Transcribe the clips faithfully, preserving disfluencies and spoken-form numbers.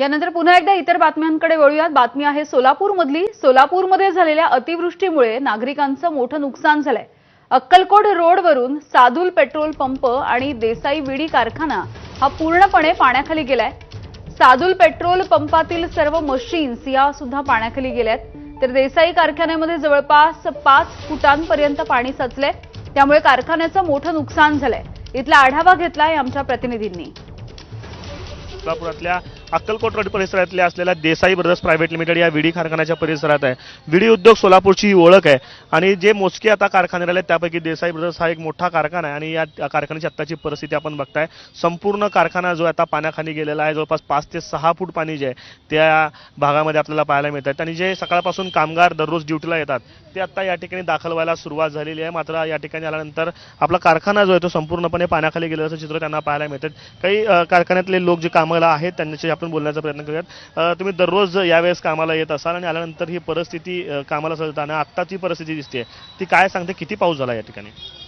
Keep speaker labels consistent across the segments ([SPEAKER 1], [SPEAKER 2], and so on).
[SPEAKER 1] यानंतर पुन्हा एकदा इतर बातम्यांकडे वळूयात। बातमी आहे सोलापूरमधली। सोलापूरमध्ये झालेल्या अतिवृष्टीमुळे नागरिकांचं मोठं नुकसान झालंय। अक्कलकोट रोडवरून साधुल पेट्रोल पंप आणि देसाई विडी कारखाना हा पूर्णपणे पाण्याखाली गेलाय। साधुल पेट्रोल पंपातील सर्व मशीन्स या सुद्धा पाण्याखाली गेल्यात, तर देसाई कारखान्यामध्ये जवळपास पाच फुटांपर्यंत पाणी साचलंय, त्यामुळे कारखान्याचं मोठं नुकसान झालंय। इथला आढावा घेतलाय आमच्या प्रतिनिधींनी।
[SPEAKER 2] सोलापुरातल्या अक्कलकोट रोड परिसरातल्या असलेल्या देसाई ब्रदर्स प्रायव्हेट लिमिटेड या विडी कारखान्याच्या परिसरात आहे। विडी उद्योग सोलापूरची ओळख आहे आणि जे मोजके आता कारखाने राहिले त्यापैकी देसाई ब्रदर्स हा एक मोठा कारखाना आहे आणि या कारखान्याची आत्ताची परिस्थिती आपण बघताय। संपूर्ण कारखाना जो आता पाण्याखाली गेलेला आहे, जवळपास पाच ते सहा फूट पाणी जे आहे त्या भागामध्ये आपल्याला पाहायला मिळतात आणि जे सकाळपासून कामगार दररोज ड्युटीला येतात ते आता या ठिकाणी दाखल व्हायला सुरुवात झालेली आहे। मात्र या ठिकाणी आल्यानंतर आपला कारखाना जो आहे तो संपूर्णपणे पाण्याखाली गेलेल्याचं चित्र त्यांना पाहायला मिळतात। काही कारखान्यातले लोक जे कामाला आहेत त्यांच्याशी आपण बोलण्याचा प्रयत्न करूयात। तुम्ही दररोज यावेळेस कामाला येत असाल आणि आल्यानंतर ही परिस्थिती कामाला चालताना आत्ताची परिस्थिती दिसते ती काय सांगते? किती पाऊस झाला या ठिकाणी?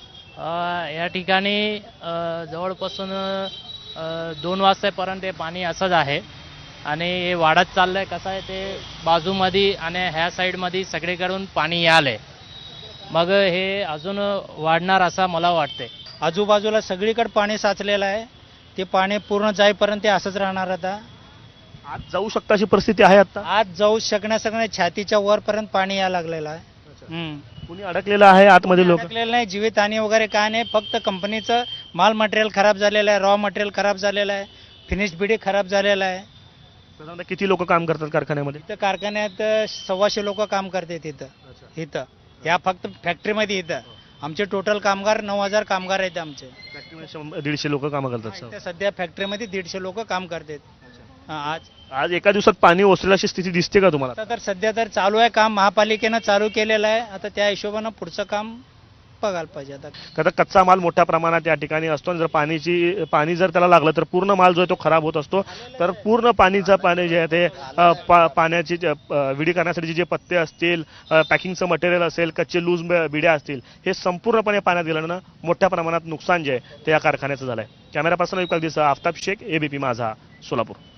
[SPEAKER 3] या ठिकाणी जवळपासून दोन वाजतापर्यंत पाणी असंच आहे आणि हे वाढत चाललंय। कसं आहे ते बाजूमध्ये आणि ह्या साईडमध्ये सगळीकडून पाणी आलंय, मग हे अजून वाढणार असं मला वाटते।
[SPEAKER 4] आजूबाजूला सगळीकडे पाणी साचलेलं आहे, ते पाणी पूर्ण जाईपर्यंत ते असंच राहणार। आता
[SPEAKER 2] आज जाऊ शकता अशी परिस्थिती आहे? आता
[SPEAKER 4] आज जाऊ शकण्यासंग छातीच्या वरपर्यंत पाणी यायला लागलेलं आहे।
[SPEAKER 2] कुणी अडकलेलं आहे आतमध्ये? लोक
[SPEAKER 4] अडकलेलं नाही, जीवितहानी वगैरे काय नाही, फक्त कंपनीचं माल मटेरियल खराब झालेलं आहे, रॉ मटेरियल खराब झालेलं आहे, फिनिश बिडी खराब झालेला आहे।
[SPEAKER 2] साधारणतः किती लोक काम करतात कारखान्यामध्ये?
[SPEAKER 4] इथं कारखान्यात सव्वाशे लोक काम करतात इथं इथं या फक्त फॅक्टरीमध्ये। इथं आमचे टोटल कामगार नऊ हजार कामगार आहेत आमचे।
[SPEAKER 2] फॅक्टरीमध्ये दीडशे लोक काम करतात।
[SPEAKER 4] इथं सध्या फॅक्टरीमध्ये दीडशे लोक काम करतात। आज
[SPEAKER 2] आज एका दिवसात पाणी ओसरेल अशी स्थिती दिसते का तुम्हाला?
[SPEAKER 4] आता तर सध्या तर चालू आहे काम, महापालिकेनं चालू केलेलं आहे। आता त्या हिशोबानं पुढचं काम बघायला पाहिजे। आता
[SPEAKER 2] आता कच्चा माल मोठ्या प्रमाणात या ठिकाणी असतो आणि जर पाणीची पाणी जर त्याला लागलं तर पूर्ण माल जो आहे तो खराब होत असतो। तर पूर्ण पाणीचं पाणी जे आहे ते पा, पाण्याची विडी करण्यासाठी जे पत्ते असतील, पॅकिंगचं मटेरियल असेल, कच्चे लूज बिड्या असतील, हे संपूर्णपणे पाण्यात गेल्यानं मोठ्या प्रमाणात नुकसान जे आहे ते या कारखान्याचं झालंय। कॅमेरा पर्सन विकास दिसा, आफताब शेख, एबीपी माझा, सोलापूर।